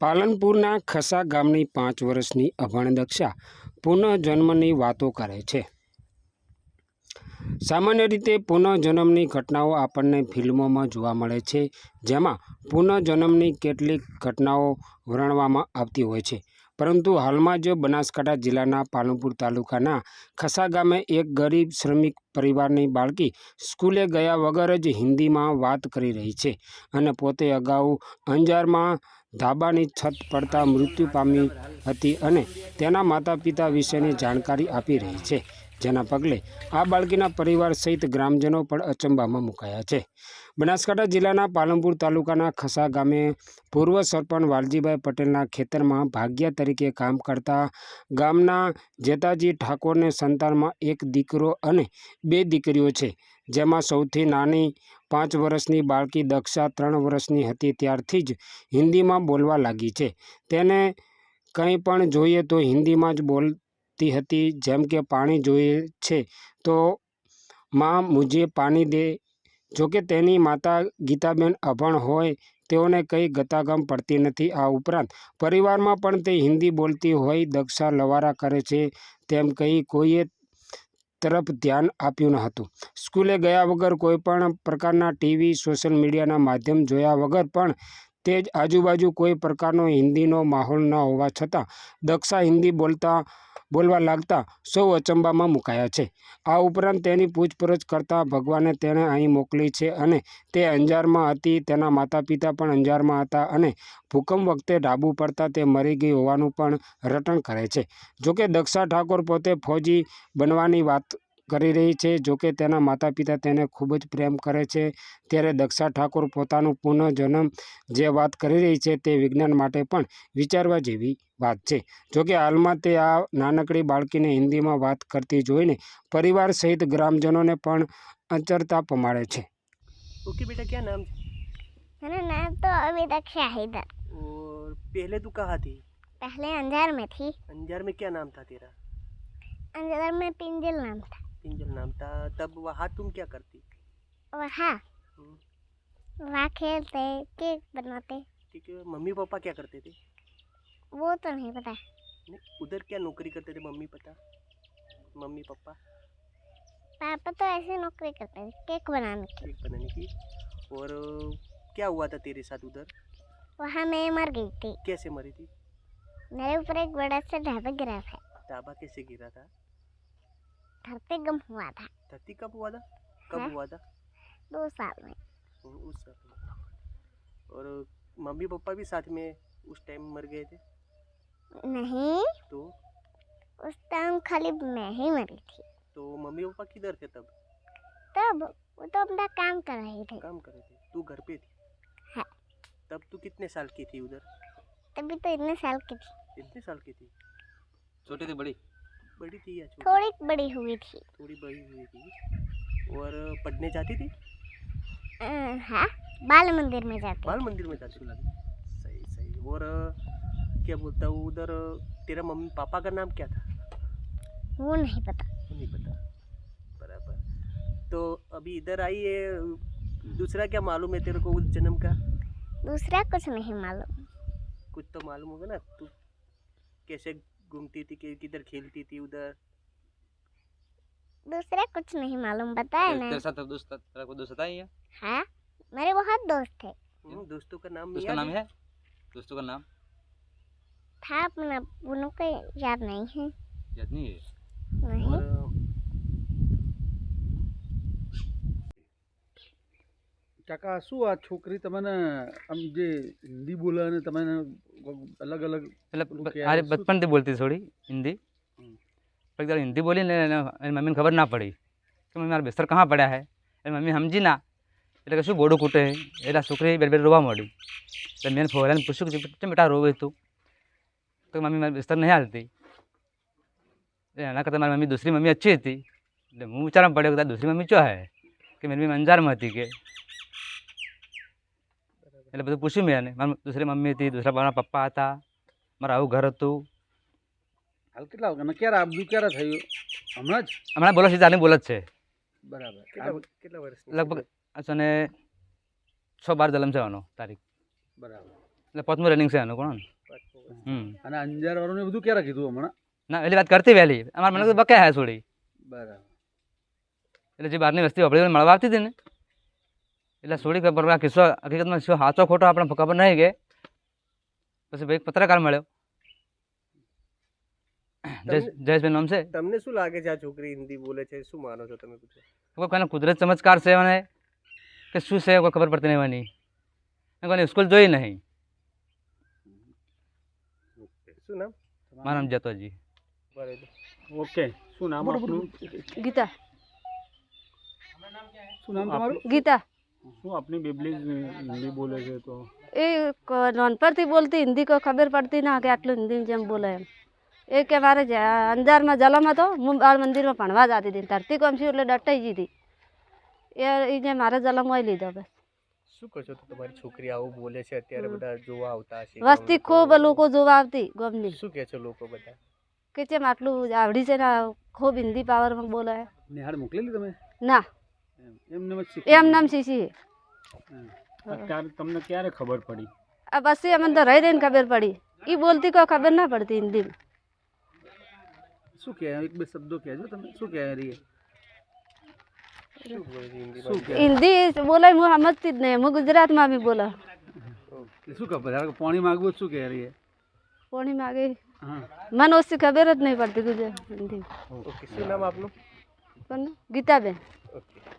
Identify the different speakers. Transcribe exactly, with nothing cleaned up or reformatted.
Speaker 1: પાલનપુરના ખસા ગામની પાંચ વર્ષની અભણ દક્ષા પુનઃજન્મની વાતો કરે છે। સામાન્ય રીતે પુનઃજન્મની ઘટનાઓ આપણને ફિલ્મોમાં જોવા મળે છે, જેમાં પુનઃજન્મની કેટલીક ઘટનાઓ વર્ણવવામાં આવતી હોય છે। પરંતુ હાલમાં જ બનાસકાંઠા જિલ્લાના પાલનપુર તાલુકાના ખસા ગામે એક ગરીબ શ્રમિક પરિવારની બાળકી સ્કૂલે ગયા વગર જ હિન્દીમાં વાત કરી રહી છે અને પોતે અગાઉ અંજારમાં ધાબાની છત પડતા મૃત્યુ પામી હતી અને તેના માતા પિતા વિશેની જાણકારી આપી રહી છે, જેના પગલે આ બાળકીના પરિવાર સહિત ગ્રામજનો પણ અચંબામાં મુકાયા છે। બનાસકાંઠા જિલ્લાના પાલનપુર તાલુકાના ખસા ગામે પૂર્વ સરપંચ વાલજીભાઈ પટેલના ખેતરમાં ભાગ્યા તરીકે કામ કરતા ગામના જેતાજી ઠાકોરને સંતાનમાં એક દીકરો અને બે દીકરીઓ છે, જેમાં સૌથી નાની પાંચ વર્ષની બાળકી દક્ષા ત્રણ વર્ષની હતી ત્યારથી જ હિન્દીમાં બોલવા લાગી છે। તેને કંઈ પણ જોઈએ તો હિન્દીમાં જ બોલતી હતી, જેમ કે પાણી જોઈએ છે તો માં મુझे પાણી દે। જોકે તેની માતા ગીતાબેન અભણ હોય તેઓને કંઈ ગતાગમ પડતી નથી। આ ઉપરાંત પરિવારમાં પણ તે હિન્દી બોલતી હોય દક્ષા લવારા કરે છે તેમ કહી કોઈએ તરફ ધ્યાન આપ્યું ન હતું। સ્કૂલે ગયા વગર કોઈપણ પ્રકારના ટીવી સોશિયલ મીડિયાના માધ્યમ જોયા વગર પણ તે જ આજુબાજુ કોઈ પ્રકારનો હિન્દીનો માહોલ ન હોવા છતાં દક્ષા હિન્દી બોલતા બોલવા લાગતા સૌ અચંબામાં મુકાયા છે। આ ઉપરાંત તેની પૂછપરછ કરતાં ભગવાને તેને અહીં મોકલી છે અને તે અંજારમાં હતી, તેના માતા પિતા પણ અંજારમાં હતા અને ભૂકંપ વખતે ડાબુ પડતા તે મરી ગઈ હોવાનું પણ રટણ કરે છે। જોકે દક્ષા ઠાકોર પોતે ફૌજી બનવાની વાત કરી રહી છે। જોકે તેના માતા પિતા તેને ખૂબ જ પ્રેમ કરે છે, ત્યારે દક્ષા ઠાકોર પોતાનું પુનઃજન્મ જે વાત કરી રહી છે તે વિજ્ઞાન માટે પણ વિચારવા જેવી વાત છે। જોકે હાલમાં તે આ નાનકડી બાળકીને હિન્દીમાં વાત કરતી જોઈને પરિવાર સહિત ગ્રામજનોને પણ અચરતા પમાડે છે।
Speaker 2: ओके बेटा, क्या नाम?
Speaker 3: मेरा नाम तो अभी दक्षा है इधर।
Speaker 2: और पहले तू कहाँ थी?
Speaker 3: पहले अंजार में थी।
Speaker 2: अंजार में क्या नाम था तेरा?
Speaker 3: अंजार में पिंजल नाम था।
Speaker 2: पिंजल नाम था। तब वहाँ तुम क्या करती?
Speaker 3: वहाँ वहाँ खेलते, केक बनाते।
Speaker 2: ठीक है। मम्मी पापा क्या करते थे?
Speaker 3: वो तो नहीं पता।
Speaker 2: नहीं, उधर क्या नौकरी करते थे मम्मी पता मम्मी पापा?
Speaker 3: पापा तो ऐसे नौकरी करते थे, केक बनाने की।
Speaker 2: केक बनाने की। और क्या हुआ था तेरे साथ उधर?
Speaker 3: वहाँ मैं मर गई थी।
Speaker 2: कैसे मरी थी?
Speaker 3: मेरे ऊपर एक बड़ा सा ढाबा गिरा था।
Speaker 2: ढाबा कैसे गिरा था?
Speaker 3: धरती गम हुआ था।
Speaker 2: धरती कब हुआ था? कब
Speaker 3: हाँ?
Speaker 2: हुआ था?
Speaker 3: दो साल में।
Speaker 2: उस साल में। और मम्मी पापा भी साथ में उस टाइम मर गए थे?
Speaker 3: नहीं,
Speaker 2: तो
Speaker 3: उस टाइम खाली मैं ही मरी थी।
Speaker 2: तो मम्मी पापा किधर थे तब?
Speaker 3: तब वो तो अपना काम कर रहे थे।
Speaker 2: काम कर रहे थे, तू घर पे थी?
Speaker 3: हाँ।
Speaker 2: तब तू कितने साल की थी उधर?
Speaker 3: तभी तो इतने साल की थी।
Speaker 2: इतने साल की थी?
Speaker 4: छोटी थी बड़ी?
Speaker 2: बड़ी थी या छोटी?
Speaker 3: थोड़ी बड़ी हुई थी।
Speaker 2: थोड़ी बड़ी हुई थी। और पढ़ने जाती थी?
Speaker 3: अ, हाँ, बाल मंदिर में जाती।
Speaker 2: बाल मंदिर में जाती थी। सही सही। और क्या बोलता हूँ, उधर तेरा मम्मी पापा का नाम क्या था?
Speaker 3: वो नहीं पता।
Speaker 2: नहीं पता। बराबर। तो अभी इधर आई है, दूसरा क्या मालूम है तेरे को उस जन्म का?
Speaker 3: दूसरा कुछ नहीं मालूम।
Speaker 2: कुछ तो मालूम होगा ना, तू कैसे घूमती थी, कि- किधर खेलती थी उधर?
Speaker 3: दूसरा कुछ नहीं मालूम, बताया ना।
Speaker 4: तेरे साथ दोस्त तेरा कोई दोस्त था ही है?
Speaker 3: हाँ, मेरे बहुत दोस्त थे।
Speaker 2: हम्म, दोस्तों का नाम
Speaker 4: उसका
Speaker 2: याद
Speaker 4: नाम है? दोस्तों का नाम
Speaker 3: था अपना, उन्हों को याद नहीं है।
Speaker 4: याद नहीं है?
Speaker 3: नहीं।
Speaker 2: और
Speaker 5: કાકા શું આ છોકરી તમને આમ જે હિન્દી બોલે અને તમને અલગ અલગ
Speaker 4: એટલે
Speaker 5: પેલું કે
Speaker 4: અરે
Speaker 5: શું-
Speaker 4: બચપનથી બોલતી થોડી હિન્દી,
Speaker 5: હમ.
Speaker 4: પણ જ્યારે હિન્દી બોલી ને એને એની મમ્મીને ખબર ના પડી કે મમ્મી મારા બિસ્તર કहाँ પડ્યા હે, એની મમ્મી સમજી ના એટલે કે શું બોડું કૂટે એટલે આ છોકરી બે બે રોવા માંડી। એટલે મેં ફોરાને પૂછ્યું કે કેમ બેટા રોવે તું? તો મમ્મી મારી બિસ્તર નહીં હાલતી। એટલે એના કરતાં મારી મમ્મી દૂસરી મમ્મી अच्छी હતી। એટલે હું વિચારવા પડ્યો કે દૂસરી મમ્મી ચો હે કે મારી મમ્મી અંજારમાં હતી કે, એટલે બધું પૂછ્યું મેં એને। મારી દૂસરી મમ્મી હતી, દૂસરા મારા પપ્પા હતા, મારું આવું ઘર હતું।
Speaker 5: હાલ કેટલા વાગ્યા ક્યારે આ બધું ક્યારે થયું? હમણાં જ?
Speaker 4: હમણાં બોલો છે ચાલી બોલ જ છે
Speaker 5: બરાબર।
Speaker 2: કેટલા
Speaker 5: આ-
Speaker 2: કેટલા વર્ષ?
Speaker 4: લગભગ અને છ બાર જલમ છે આનો તારીખ,
Speaker 5: બરાબર।
Speaker 4: એટલે પાંચમું રનિંગ છે આનું કોણ। હમ
Speaker 5: અને અંજાર વાળું બધું ક્યારે કીધું હમણાં?
Speaker 4: ના એટલી વાત કરતી વહેલી અમારા મને તો બકે હે છોડી
Speaker 5: બરાબર.
Speaker 4: એટલે જે બહારની વસ્તી આપણી જોડે મળવા આવતી હતી ને એટલે છોડી ખબર આ કિસ્સો હકીકતમાં શું સાચો ખોટો આપણે ખબર નહીં કે પછી ભાઈ એક પત્રકાર મળ્યો જયેશ જયેશભાઈ નામ છે
Speaker 2: તમને શું લાગે છે આ છોકરી હિન્દી બોલે છે, શું માનો છો તમે પૂછો?
Speaker 4: કોઈ કોઈને કુદરત ચમત્કાર છે મને કે શું છે કોઈ ખબર પડતી નહીં એની કોઈને સ્કૂલ જોઈ નહીં.
Speaker 2: શું નામ?
Speaker 4: મારું નામ જતોજી.
Speaker 2: બરાબર.
Speaker 1: ઓકે, શું નામ આપનું?
Speaker 6: ગીતા
Speaker 5: શું નામ તમારું?
Speaker 6: ગીતા
Speaker 1: શું આપની બેબલી હિન્દી બોલે છે તો
Speaker 6: એ ક- નાનપણથી બોલતી હિન્દી કોઈ ખબર પડતી ના કે આટલું હિન્દી જેમ બોલે એમ. એ કે મારે જ- અંજારમાં જલમ હતો, હું બાળ મંદિરમાં ભણવા જતી હતી, ધરતી કોમ છું એટલે ડટાઈ ગઈ હતી. એ એ જે મારે જલમ હોય લીધો બસ.
Speaker 2: શું કહો છો તો તમારી છોકરી આવું બોલે છે અત્યારે બધા જોવા આવતા હશે
Speaker 6: વસ્તી ખૂબ લોકો જોવા આવતી ગમની
Speaker 2: શું કહે છે લોકો બધા?
Speaker 6: કે જેમ આટલું આવડી છે ને ખૂબ હિન્દી પાવરમાં બોલે.
Speaker 5: નિહાળ મોકલેલી તમે?
Speaker 6: ના
Speaker 5: એમ એમને જ શીખી?
Speaker 6: એમ નામ શીશી.
Speaker 1: અત્યારે તમને ક્યારે ખબર પડી?
Speaker 6: આ પછી અમને તો રહી રહીને ખબર પડી. એ બોલતી કોઈ ખબર ના પડતી હિન્દીમાં.
Speaker 5: શું કહે? એક બે શબ્દો કહેજો તમે. શું કહે રહી?
Speaker 2: શું બોલે છે હિન્દીમાં?
Speaker 5: શું કહે?
Speaker 6: હિન્દી બોલાય હું સમજતી જ નહીં, હું ગુજરાતમાં બી બોલા.
Speaker 5: એટલે શું કહે? ધારો કે પાણી માગવું શું કહે રહી?
Speaker 6: પોણી માગે
Speaker 5: હા.
Speaker 6: મને ઓછી ખબર જ નહીં પડતી ગુજરાત હિન્દી.
Speaker 2: ઓકે, શું નામ આપનું?
Speaker 6: કોનું? ગીતાબેન.
Speaker 2: ઓકે.